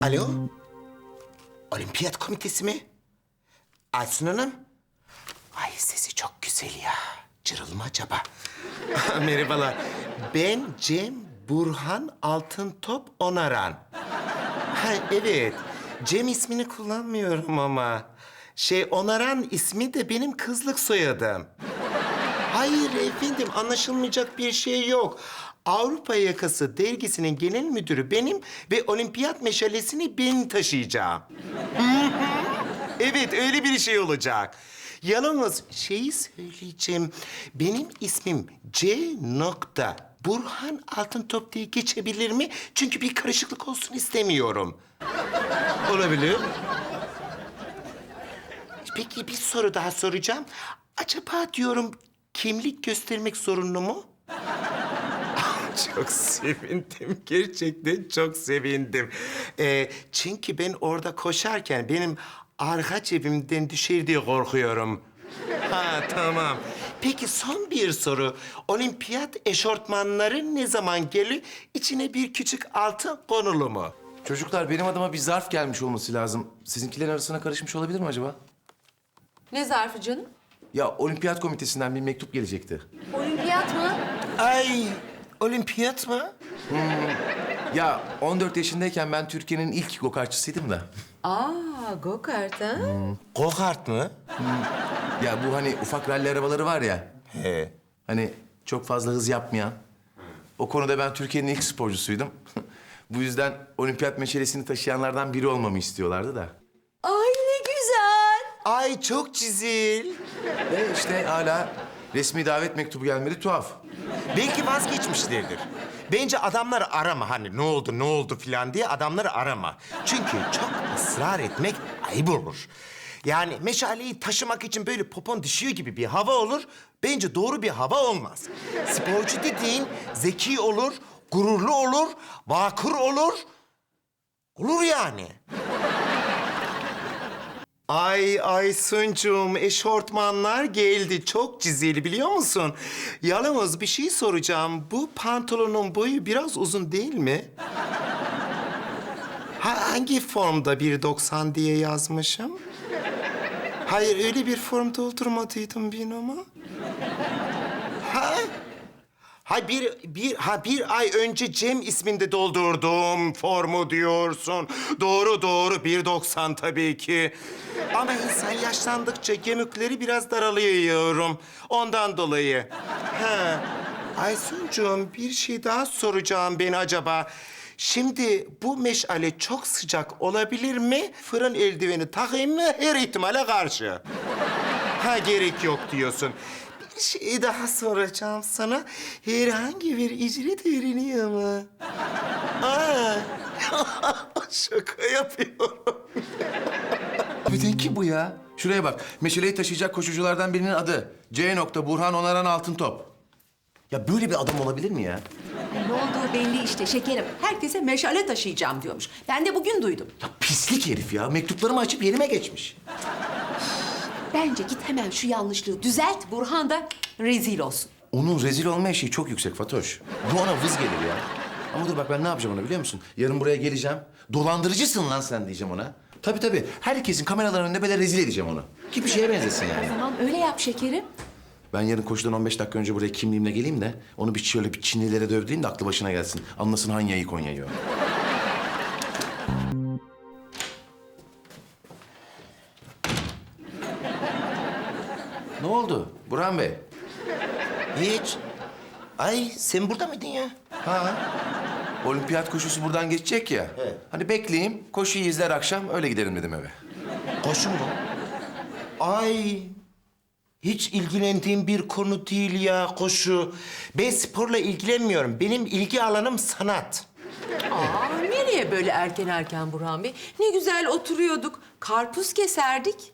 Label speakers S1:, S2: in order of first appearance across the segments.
S1: Alo? Olimpiyat komitesi mi? Aysun Hanım? Ay sesi çok güzel ya. Cırıl mı acaba? Merhabalar. Ben Cem Burhan Altıntop Onaran. Ha evet. Cem ismini kullanmıyorum ama. Onaran ismi de benim kızlık soyadım. Hayır efendim, anlaşılmayacak bir şey yok. Avrupa Yakası dergisinin genel müdürü benim ve olimpiyat meşalesini ben taşıyacağım. Hı hı. Evet, öyle bir şey olacak. Yalnız söyleyeceğim. Benim ismim C. Burhan Altıntop diye geçebilir mi? Çünkü bir karışıklık olsun istemiyorum. Olabilir. Peki bir soru daha soracağım. Acaba diyorum kimlik göstermek zorunlu mu? Çok sevindim. Gerçekten çok sevindim. Çünkü ben orada koşarken benim arka cebimden düşer diye korkuyorum. Ha tamam. Peki son bir soru. Olimpiyat eşortmanları ne zaman geliyor? İçine bir küçük altın konulu mu?
S2: Çocuklar benim adıma bir zarf gelmiş olması lazım. Sizinkilerin arasına karışmış olabilir mi acaba?
S3: Ne zarfı canım?
S2: Ya olimpiyat komitesinden bir mektup gelecekti.
S3: Olimpiyat mı?
S1: Ay, olimpiyat mı?
S2: Ya 14 yaşındayken ben Türkiye'nin ilk go-kartçısıydım da.
S3: Aa, go-kart ha?
S1: Go-kart mı?
S2: Ya bu hani ufak ralli arabaları var ya.
S1: He.
S2: Hani çok fazla hız yapmayan. O konuda ben Türkiye'nin ilk sporcusuydum. Bu yüzden olimpiyat meşalesini taşıyanlardan biri olmamı istiyorlardı da.
S3: Ay ne güzel.
S1: Ay çok çizil.
S2: Ve işte hala resmi davet mektubu gelmedi, tuhaf.
S1: Belki vazgeçmişlerdir. Bence adamları arama, hani ne oldu filan diye adamları arama. Çünkü çok ısrar etmek ayıp olur. Yani meşaleyi taşımak için böyle popon düşüyor gibi bir hava olur. Bence doğru bir hava olmaz. Sporcu dediğin zeki olur, gururlu olur, vakur olur. Olur yani. Ay Aysuncuğum, eşortmanlar geldi. Çok çizili biliyor musun? Yalnız bir şey soracağım. Bu pantolonun boyu biraz uzun değil mi? Hangi formda 1.90 diye yazmışım? Hayır, öyle bir form doldurmadıydım ben ama. Ha? Bir ay önce Cem isminde doldurduğum formu diyorsun. Doğru 1.90 tabii ki. Ama insan yaşlandıkça gemükleri biraz daralıyor yavrum. Ondan dolayı. Ha. Aysuncuğum, bir şey daha soracağım ben acaba. Şimdi bu meşale çok sıcak olabilir mi? Fırın eldiveni takayım mı her ihtimale karşı? Ha, gerek yok diyorsun. Bir şey daha soracağım sana. Herhangi bir ücret veriliyor mu? Aa, şaka yapıyorum.
S2: Neden ki bu ya? Şuraya bak. Meşaleyi taşıyacak koşuculardan birinin adı. C. Burhan Onaran Altıntop. Ya böyle bir adam olabilir mi ya?
S3: Ne olduğu belli işte şekerim. Herkese meşale taşıyacağım diyormuş. Ben de bugün duydum.
S2: Ya pislik herif ya. Mektuplarımı açıp yerime geçmiş.
S3: Bence git hemen şu yanlışlığı düzelt. Burhan da rezil olsun.
S2: Onun rezil olma eşiği çok yüksek Fatoş. Bu ona vız gelir ya. Ama dur bak ben ne yapacağım ona biliyor musun? Yarın buraya geleceğim. Dolandırıcısın lan sen diyeceğim ona. Tabii. Herkesin kameraların önünde böyle rezil edeceğim onu. Ki bir şeye benzesin yani.
S3: Tamam öyle yap şekerim.
S2: Ben yarın koşudan 15 dakika önce buraya kimliğimle geleyim de... ...onu şöyle bir Çinlilere dövdüreyim de aklı başına gelsin. Anlasın Hanya'yı Konya'yı o. Ne oldu Burhan Bey?
S1: Hiç. Ay, sen burada mıydın ya?
S2: Ha? Olimpiyat koşusu buradan geçecek ya.
S1: Evet.
S2: Hani bekleyeyim, koşuyu izler akşam öyle giderim dedim eve.
S1: Koşu mu? Ay, hiç ilgilendiğim bir konu değil ya koşu. Ben sporla ilgilenmiyorum. Benim ilgi alanım sanat.
S3: Aa, nereye böyle erken Burhan Bey? Ne güzel oturuyorduk. Karpuz keserdik.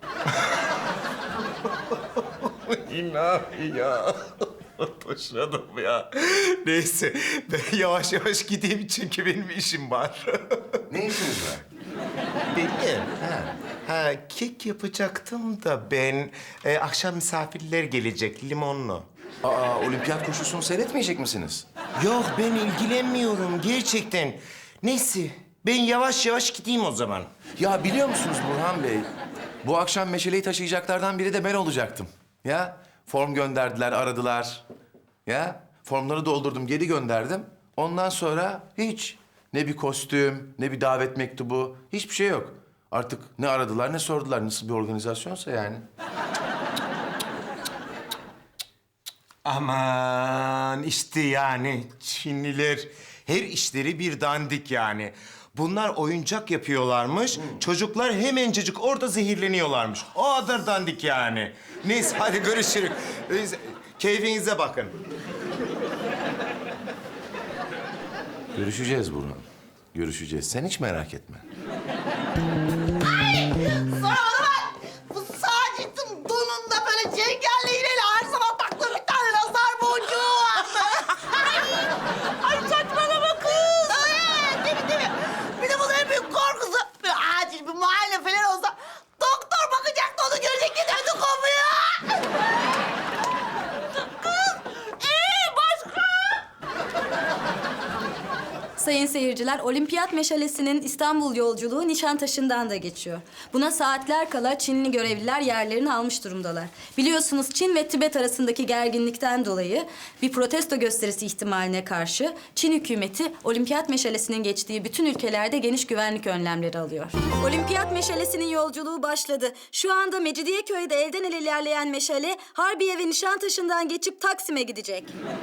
S1: İlahi ya. Boşladım ya. Neyse, ben yavaş yavaş gideyim çünkü benim işim var.
S2: Ne işiniz var?
S1: Benim?
S2: Ha.
S1: Ha, kek yapacaktım da ben. Akşam misafirler gelecek, limonlu.
S2: Aa, olimpiyat koşusunu seyretmeyecek misiniz?
S1: Yok, ben ilgilenmiyorum gerçekten. Neyse, Ben yavaş yavaş gideyim o zaman.
S2: Ya biliyor musunuz Burhan Bey? Bu akşam meşaleyi taşıyacaklardan biri de ben olacaktım. Ya form gönderdiler, aradılar. Ya formları doldurdum, geri gönderdim. Ondan sonra hiç ne bir kostüm, ne bir davet mektubu, hiçbir şey yok. Artık ne aradılar, ne sordular. Nasıl bir organizasyonsa yani.
S1: Aman işte yani Çinliler her işleri bir dandik yani. Bunlar oyuncak yapıyorlarmış. Çocuklar hemencecik orada zehirleniyorlarmış. O kadar dandik yani. Neyse hadi görüşürüz. Keyfinize bakın.
S2: Görüşeceğiz Burhan. Görüşeceğiz. Sen hiç merak etme.
S4: Sonra bana bak. Bu Sacit'in donunda böyle çengelli iğneyle her sabah taktığı bir tane nazar boncuğu vardı. Ay saçmalama kız. Evet, değil mi? Bir de bunun en büyük korkusu. Bir acil bir muayene falan olsa doktor bakacaktı onu görecekti ödü kopuyor. Kız, başka?
S5: Sayın seyirciler, Olimpiyat Meşalesi'nin İstanbul yolculuğu Nişantaşı'ndan da geçiyor. Buna saatler kala Çinli görevliler yerlerini almış durumdalar. Biliyorsunuz Çin ve Tibet arasındaki gerginlikten dolayı bir protesto gösterisi ihtimaline karşı Çin hükümeti Olimpiyat Meşalesi'nin geçtiği bütün ülkelerde geniş güvenlik önlemleri alıyor. Olimpiyat Meşalesi'nin yolculuğu başladı. Şu anda Mecidiyeköy'de elden ele ilerleyen meşale Harbiye ve Nişantaşı'ndan geçip Taksim'e gidecek.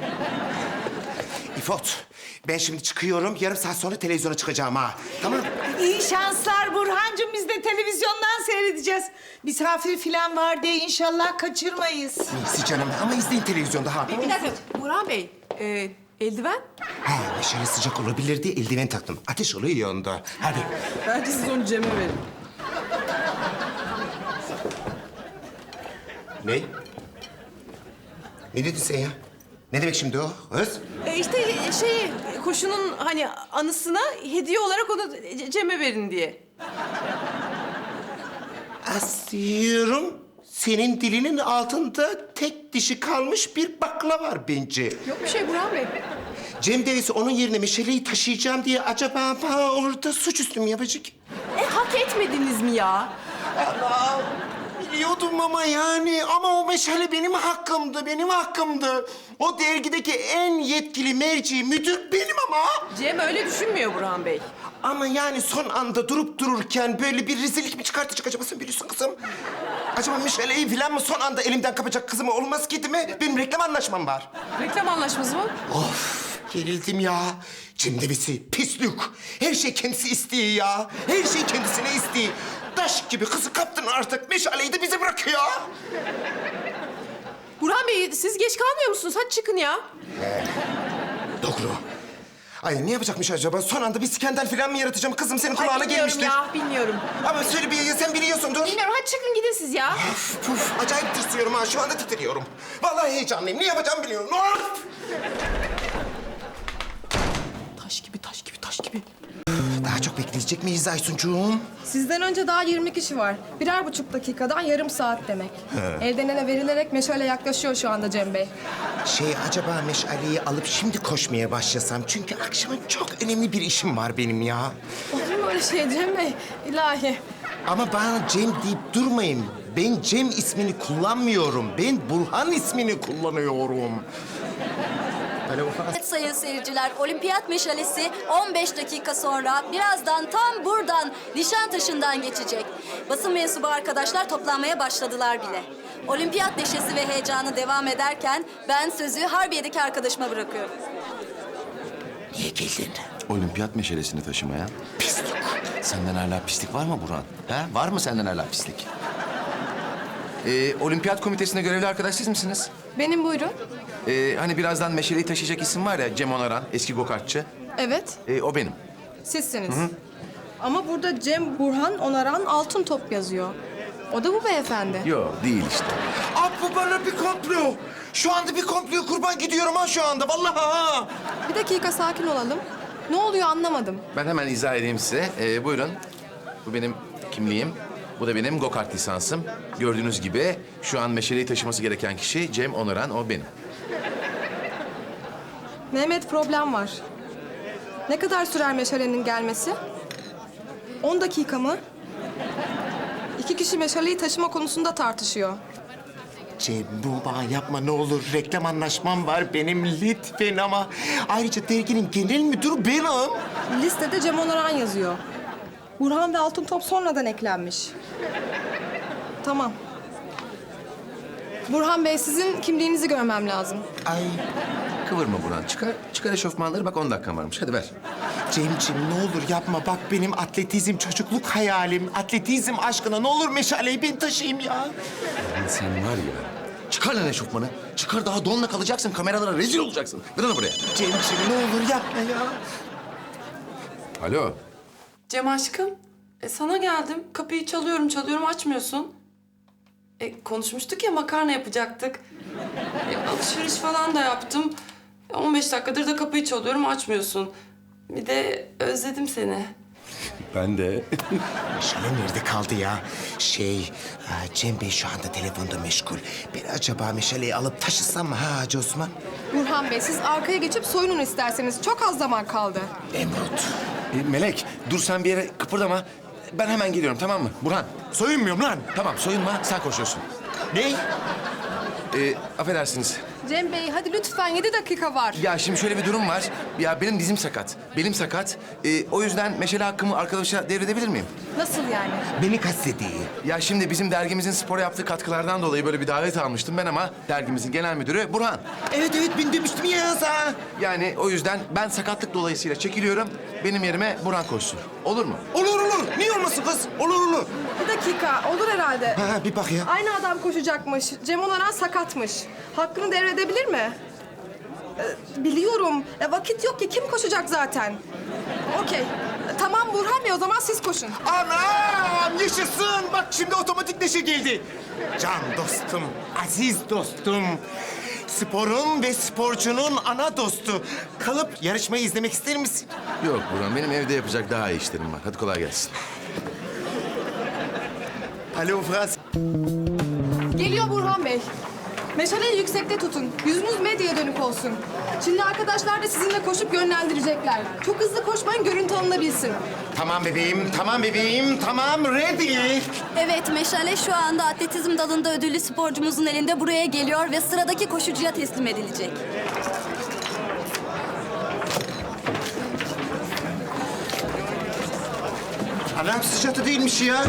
S1: İfot, ben şimdi çıkıyorum. Yarım saat sonra televizyona çıkacağım ha. Tamam mı?
S6: İyi şanslar Burhancığım. Biz de televizyondan seyredeceğiz. Misafir falan var diye inşallah kaçırmayız.
S1: Neyse canım ama izleyin televizyonda ha.
S3: Bir dakika Burhan Bey, eldiven?
S1: Ha, meşale sıcak olabilir diye eldiven taktım. Ateş oluyor ya onda. Hadi.
S6: Bence siz onu Cem'e verin.
S1: Ne? Ne dedin sen ya? Ne demek şimdi o? Öz?
S7: İşte koşunun hani anısına hediye olarak onu Cem'e verin diye.
S1: Asıyorum. Senin dilinin altında tek dişi kalmış bir bakla var bence.
S7: Yok bir şey Burhan Bey.
S1: Cem Devesi onun yerine meşaleyi taşıyacağım diye acaba bana orada suçüstü mü yapacak?
S7: Hak etmediniz mi ya?
S1: Allah! Biliyordum ama yani. Ama o meşale benim hakkımdı, benim hakkımdı. O dergideki en yetkili merci müdür benim ama.
S7: Cem öyle düşünmüyor Burhan Bey.
S1: Ama yani son anda durup dururken böyle bir rezillik mi çıkartacak acaba sen biliyorsun kızım? Acaba meşaleyi falan mı son anda elimden kapacak kızım olmaz ki değil mi? Benim reklam anlaşmam var.
S7: Reklam anlaşması mı?
S1: Of gerildim ya. Cem Devesi pislik. Her şey kendisi istiyor ya. Her şey kendisine istiyor. Taş gibi kızı kaptın artık. Meşaleyi de bize bırakıyor.
S7: Burhan Bey siz geç kalmıyor musunuz? Hadi çıkın ya.
S1: Doğru. Ay ne yapacakmış acaba? Son anda bir skandal falan mı yaratacağım? Kızım senin kulağına
S7: bilmiyorum
S1: gelmiştir.
S7: ya, bilmiyorum.
S1: Ama söyle bir ya sen biliyorsundur.
S7: Bilmiyorum, hadi çıkın gidin siz ya.
S1: Puf, acayip tırsıyorum ha. Şu anda titriyorum. Vallahi heyecanlıyım. Ne yapacağımı biliyorum. Of!
S7: Taş gibi, taş gibi, taş gibi.
S1: Daha çok bekleyecek miyiz Aysuncuğum?
S8: Sizden önce daha 20 kişi var. 1,5 dakikadan yarım saat demek. Elden ele verilerek meşale yaklaşıyor şu anda Cem Bey.
S1: Acaba meşaleyi alıp şimdi koşmaya başlasam? Çünkü akşama çok önemli bir işim var benim ya.
S8: Olur mu öyle şey Cem Bey? İlahi.
S1: Ama bana Cem deyip durmayın. Ben Cem ismini kullanmıyorum. Ben Burhan ismini kullanıyorum.
S5: Evet sayın seyirciler, Olimpiyat Meşalesi 15 dakika sonra birazdan tam buradan Nişantaşı'ndan geçecek. Basın mensubu arkadaşlar toplanmaya başladılar bile. Olimpiyat neşesi ve heyecanı devam ederken ben sözü Harbiye'deki arkadaşıma bırakıyorum.
S1: Niye geldin?
S2: Olimpiyat meşalesini taşımaya.
S1: Pislik.
S2: Senden hala pislik var mı Burhan? Ha? Var mı senden hala pislik? Olimpiyat komitesinde görevli arkadaş siz misiniz?
S8: Benim buyurun.
S2: Hani birazdan meşaleyi taşıyacak isim var ya, Cem Onaran, eski gokartçı.
S8: Evet,
S2: O benim.
S8: sizsiniz. Ama burada Cem Burhan Onaran Altın Top yazıyor. O da bu beyefendi.
S2: Yok, değil işte.
S1: Aa, bu bana bir komplo. Şu anda bir komploya kurban gidiyorum ha şu anda. Vallahi ha.
S8: Bir dakika sakin olalım. Ne oluyor anlamadım.
S2: Ben hemen izah edeyim size. Buyurun. Bu benim kimliğim. Bu da benim go-kart lisansım. Gördüğünüz gibi şu an meşaleyi taşıması gereken kişi Cem Onaran, o benim.
S8: Mehmet problem var. Ne kadar sürer meşalenin gelmesi? 10 dakika mı? 2 kişi meşaleyi taşıma konusunda tartışıyor.
S1: Cem Numan yapma ne olur. Reklam anlaşmam var benim lütfen ama. Ayrıca derginin genel müdürü benim.
S8: Listede Cem Onaran yazıyor. Burhan ve Altın Top sonradan eklenmiş. Tamam. Burhan Bey, sizin kimliğinizi görmem lazım.
S1: Ay
S2: Kıvırma Burhan. Çıkar eşofmanları. Bak 10 dakikam varmış. Hadi ver.
S1: Cemciğim ne olur yapma. Bak benim atletizm çocukluk hayalim. Atletizm aşkına ne olur meşaleyi ben taşıyayım ya.
S2: Lan sen var ya. Çıkar lan eşofmanı. Çıkar, daha donla kalacaksın. Kameralara rezil olacaksın. Ver onu buraya.
S1: Cemciğim ne olur yapma ya.
S2: Alo.
S9: Cem aşkım, sana geldim. Kapıyı çalıyorum açmıyorsun. Konuşmuştuk ya makarna yapacaktık. Alışveriş falan da yaptım. 15 dakikadır da kapıyı çalıyorum açmıyorsun. Bir de özledim seni.
S2: Ben de.
S1: Meşale nerede kaldı ya? Cem Bey şu anda telefonda meşgul. Ben acaba meşaleyi alıp taşısam mı ha Hacı Osman?
S8: Burhan Bey, siz arkaya geçip soyunun isterseniz. Çok az zaman kaldı.
S1: Emrut.
S2: Melek, dur sen bir yere kıpırdama. Ben hemen geliyorum, tamam mı? Burhan.
S1: Soyunmuyorum lan.
S2: Tamam, soyunma. Sen koşuyorsun.
S1: Ne?
S2: Affedersiniz.
S8: Cem Bey, hadi lütfen 7 dakika var.
S2: Ya şimdi şöyle bir durum var. Ya benim dizim sakat. Belim sakat. O yüzden meşale hakkımı arkadaşa devredebilir miyim?
S8: Nasıl yani?
S1: Beni kastediyor.
S2: Ya şimdi bizim dergimizin spora yaptığı katkılardan dolayı böyle bir davet almıştım ben ama dergimizin genel müdürü Burhan.
S1: Evet ben demiştim ya sana.
S2: Yani o yüzden ben sakatlık dolayısıyla çekiliyorum. Benim yerime Burhan koşsun. Olur mu?
S1: Olur. Niye olmasın kız? Olur.
S8: Bir dakika, olur herhalde.
S1: Ha bir bak ya.
S8: Aynı adam koşacakmış. Cem Onaran sakatmış. Hakkını devredebilir mi? Biliyorum. Vakit yok ki. Kim koşacak zaten? Okey. Tamam Burhan Bey, o zaman siz koşun.
S1: Anam yaşasın. Bak şimdi otomatik neşe geldi. Can dostum, aziz dostum. Sporun ve sporcunun ana dostu. Kalıp yarışmayı izlemek ister misin?
S2: Yok Burhan, benim evde yapacak daha iyi işlerim var. Hadi kolay gelsin.
S1: Alo Fras.
S8: Geliyor Burhan Bey. Meşaleyi yüksekte tutun. Yüzünüz medyaya dönük olsun. Şimdi arkadaşlar da sizinle koşup yönlendirecekler. Çok hızlı koşmayın, görüntü alınabilsin.
S1: Tamam bebeğim, tamam ready.
S5: Evet, meşale şu anda atletizm dalında ödüllü sporcumuzun elinde buraya geliyor ve sıradaki koşucuya teslim edilecek.
S1: Anam sıcakta değilmiş ya.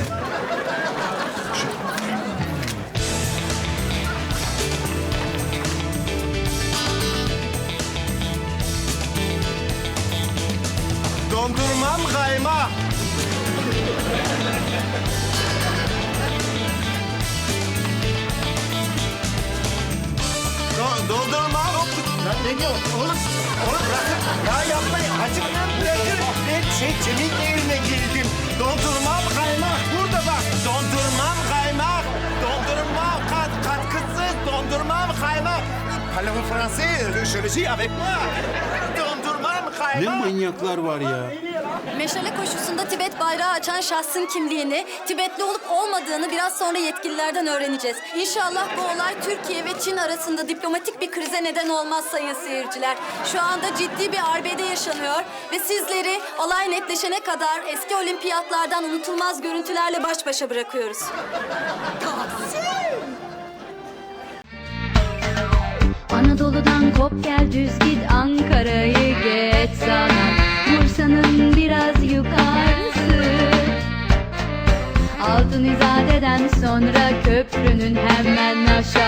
S1: Dondurmam kaymak. Doldurmam. Lan ne diyor? Oğlum bırakın. Ya yapmayın. Hacım lan bırakın. Ben Cem'in evine girdim. Dondurmam kaymak. Burada bak. Dondurmam kaymak. Dondurmam katkısız. Dondurmam kaymak. Parlez-vous français? Je le dis avec moi. Dondurmam kaymak.
S10: Ne manyaklar var ya.
S5: Meşale koşusunda Tibet bayrağı açan şahsın kimliğini, Tibetli olup olmadığını biraz sonra yetkililerden öğreneceğiz. İnşallah bu olay Türkiye ve Çin arasında diplomatik bir krize neden olmaz sayın seyirciler. Şu anda ciddi bir arbede yaşanıyor ve sizleri olay netleşene kadar eski olimpiyatlardan unutulmaz görüntülerle baş başa bırakıyoruz.
S11: Anadolu'dan kop gel düz git, Ankara'yı geç sana, Bursa'nın biraz yukarısı. Altın İzade'den sonra köprünün hemen aşağı